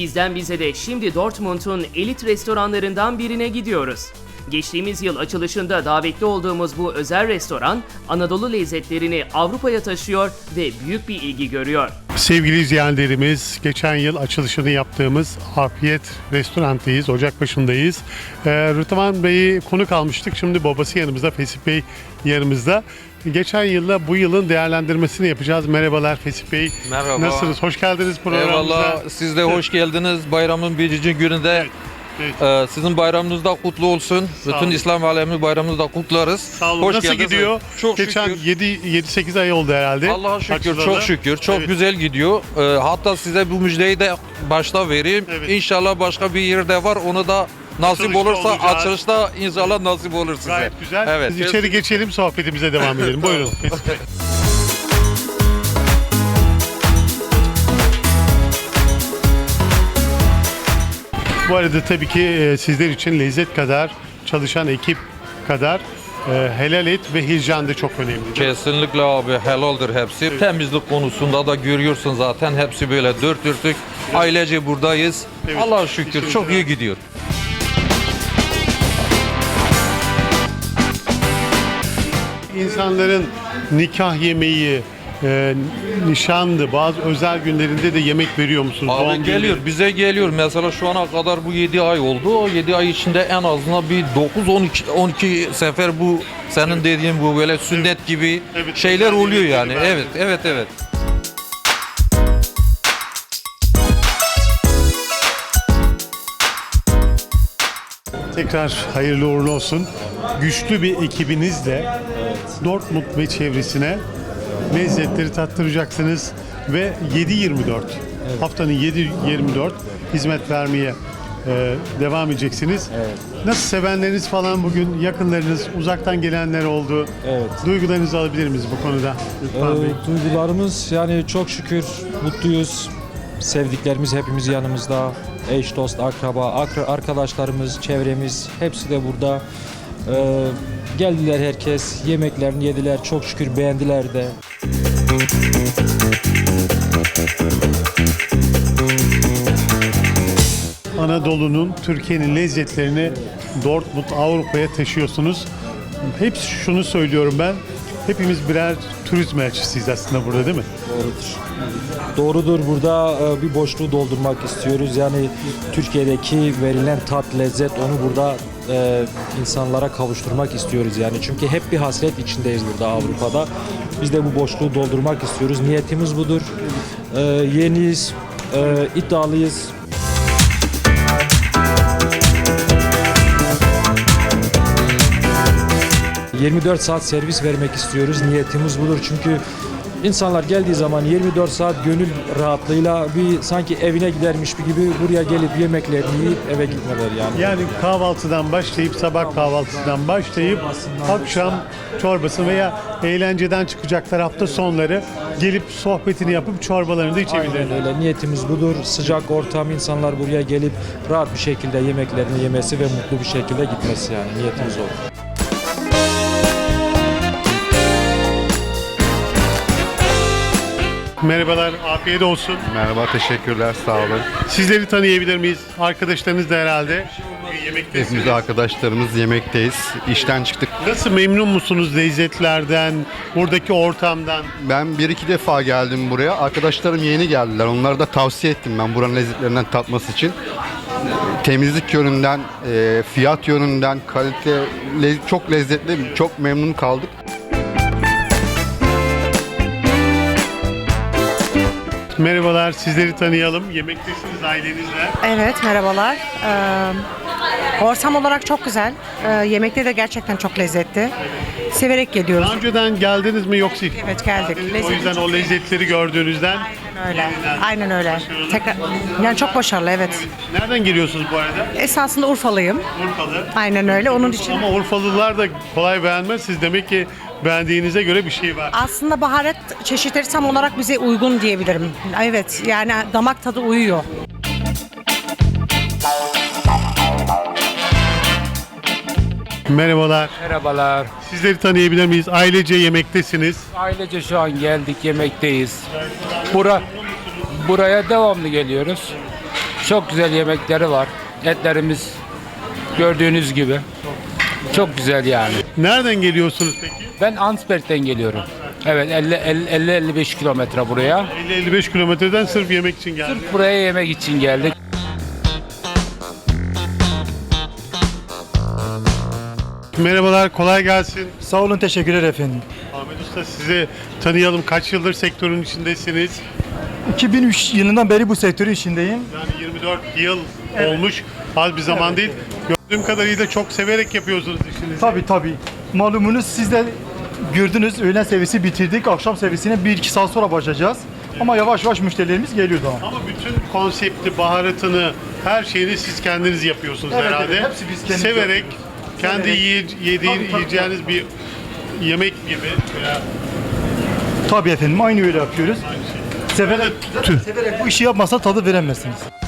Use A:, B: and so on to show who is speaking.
A: Bizden bize de şimdi Dortmund'un elit restoranlarından birine gidiyoruz. Geçtiğimiz yıl açılışında davetli olduğumuz bu özel restoran Anadolu lezzetlerini Avrupa'ya taşıyor ve büyük bir ilgi görüyor.
B: Sevgili izleyenlerimiz, geçen yıl açılışını yaptığımız Afiyet Restorant'tayız, Ocakbaşı'ndayız. Rıdvan Bey'i konuk almıştık, şimdi babası yanımızda, Fesih Bey yanımızda. Geçen yılla bu yılın değerlendirmesini yapacağız. Merhabalar Fesih Bey.
C: Merhaba.
B: Nasılsınız? Hoş geldiniz programımıza.
C: Eyvallah. Siz de hoş geldiniz. Bayramın birinci gününde sizin bayramınız da kutlu olsun. Bütün
B: olun.
C: İslam alemi bayramınızı da kutlarız.
B: Sağ olun.
C: Hoş
B: Nasıl
C: geldiniz.
B: gidiyor?
C: Çok
B: Geçen
C: şükür.
B: 7-8 ay oldu herhalde.
C: Allah'a şükür,
B: Açılalı.
C: çok şükür. Çok
B: Evet.
C: güzel gidiyor. Hatta size bu müjdeyi de başta vereyim.
B: Evet.
C: İnşallah başka bir yerde var. Onu da nasip
B: Açılışta
C: olursa
B: olacağız.
C: açılışta inşallah nasip olur size.
B: Gayet güzel.
C: Evet.
B: Biz içeri geçelim, sohbetimize devam edelim. Buyurun Fesih Bey. Bu arada tabii ki sizler için lezzet kadar, çalışan ekip kadar helal et ve hijyen de çok önemli.
C: Kesinlikle abi helaldir hepsi. Temizlik konusunda da görüyorsun zaten hepsi böyle dört dörtlük. Ailece buradayız.
B: Evet.
C: Allah'a şükür
B: Kesinlikle.
C: çok iyi gidiyor.
B: İnsanların nikah yemeği, nişandı, bazı özel günlerinde de yemek veriyor musunuz?
C: Abi
B: Doğum
C: geliyor,
B: günleri.
C: bize geliyor. Mesela şu ana kadar bu 7 ay oldu. O 7 ay içinde en azından bir 9-12 sefer bu senin dediğin bu böyle sünnet gibi
B: Evet,
C: şeyler
B: özel
C: oluyor
B: yemekleri
C: yani.
B: var.
C: Evet.
B: Tekrar hayırlı uğurlu olsun. Güçlü bir ekibinizle Dortmund ve çevresine lezzetleri tattıracaksınız ve 7/24 haftanın 7/24 hizmet vermeye devam edeceksiniz. Nasıl, sevenleriniz falan, bugün yakınlarınız, uzaktan gelenler oldu.
D: Evet.
B: Duygularınızı alabilir miyiz bu konuda? Lütfen Bey.
D: Duygularımız yani çok şükür mutluyuz. Sevdiklerimiz hepimiz yanımızda. Eş, dost, akraba, arkadaşlarımız, çevremiz hepsi de burada. Geldiler herkes, yemeklerini yediler. Çok şükür beğendiler de.
B: Anadolu'nun, Türkiye'nin lezzetlerini Dortmund, Avrupa'ya taşıyorsunuz. Hep şunu söylüyorum ben. Hepimiz birer turizm elçisiyiz aslında burada, değil mi?
D: Doğrudur, burada bir boşluğu doldurmak istiyoruz. Yani Türkiye'deki verilen tat, lezzet, onu burada insanlara kavuşturmak istiyoruz yani. Çünkü hep bir hasret içindeyiz burada Avrupa'da. Biz de bu boşluğu doldurmak istiyoruz. Niyetimiz budur. Yeniyiz, iddialıyız. ...24 saat servis vermek istiyoruz. Niyetimiz budur. Çünkü insanlar geldiği zaman 24 saat gönül rahatlığıyla bir sanki evine gidermiş gibi buraya gelip yemeklerini yiyip eve gitmeler yani.
B: Yani kahvaltıdan başlayıp, sabah kahvaltısından başlayıp akşam çorbası veya eğlenceden çıkacaklar hafta sonları gelip sohbetini yapıp çorbalarını da
D: Aynen
B: içebilirler.
D: öyle. Niyetimiz budur. Sıcak ortam, insanlar buraya gelip rahat bir şekilde yemeklerini yemesi ve mutlu bir şekilde gitmesi yani. Niyetimiz o.
B: Merhabalar, afiyet olsun.
E: Merhaba, teşekkürler, sağ olun.
B: Sizleri tanıyabilir miyiz? Arkadaşlarınız da herhalde yemektesiniz.
E: Hepimiz arkadaşlarımız yemekteyiz. İşten çıktık.
B: Nasıl, memnun musunuz lezzetlerden, buradaki ortamdan?
E: Ben bir iki defa geldim buraya. Arkadaşlarım yeni geldiler. Onlara da tavsiye ettim ben buranın lezzetlerinden tatması için. Temizlik yönünden, fiyat yönünden, kalite, çok lezzetli, çok memnun kaldık.
B: Merhabalar, sizleri tanıyalım. Yemektesiniz ailenizle.
F: Evet, merhabalar. Ortam olarak çok güzel. Yemekleri de gerçekten çok lezzetli. Severek geliyoruz.
B: Daha önceden geldiniz mi yoksa?
F: Evet, geldik.
B: O
F: Lezzeti
B: yüzden
F: çok
B: o lezzetleri gördüğünüzden.
F: öyle. Aynen öyle. Tekrar, yani çok başarılı, evet.
B: Nereden geliyorsunuz bu arada?
F: Esasında Urfalıyım.
B: Urfalı.
F: Aynen öyle. Onun için
B: Ama Urfalılar da kolay beğenmez. Siz demek ki beğendiğinize göre bir şey var.
F: aslında baharat çeşitleri tam olarak bize uygun diyebilirim. Evet, yani damak tadı uyuyor.
B: Merhabalar.
G: Merhabalar.
B: Sizleri tanıyabilir miyiz? Ailece yemektesiniz.
G: Ailece şu an geldik, yemekteyiz. Buraya devamlı geliyoruz. Çok güzel yemekleri var. Etlerimiz gördüğünüz gibi. Çok güzel yani.
B: Nereden geliyorsunuz peki?
G: Ben Ansberg'den geliyorum. Evet 50-55 kilometre buraya.
B: 50-55 kilometreden sırf yemek için geldim.
G: Buraya yemek için geldik.
B: Merhabalar, kolay gelsin.
H: Sağ olun, teşekkürler efendim.
B: Ahmet Usta, sizi tanıyalım. Kaç yıldır sektörün içindesiniz?
H: 2003 yılından beri bu sektörün içindeyim.
B: Yani 24 yıl olmuş. Az bir zaman değil. Gördüğüm kadarıyla çok severek yapıyorsunuz işinizi.
H: Tabii. Malumunuz siz de gördünüz, öğlen servisi bitirdik. Akşam servisine 1-2 saat sonra başlayacağız. Ama yavaş yavaş müşterilerimiz geliyor daha.
B: Ama bütün konsepti, baharatını, her şeyini siz kendiniz yapıyorsunuz
H: Evet,
B: herhalde.
H: evet, hepsi biz kendimiz
B: Severek,
H: yapıyoruz.
B: kendi
H: Tabii.
B: yiyeceğiniz bir yemek gibi veya
H: Tabii efendim, aynı öyle yapıyoruz.
B: aynı şey.
H: Severek bu işi yapmasa tadı veremezsiniz.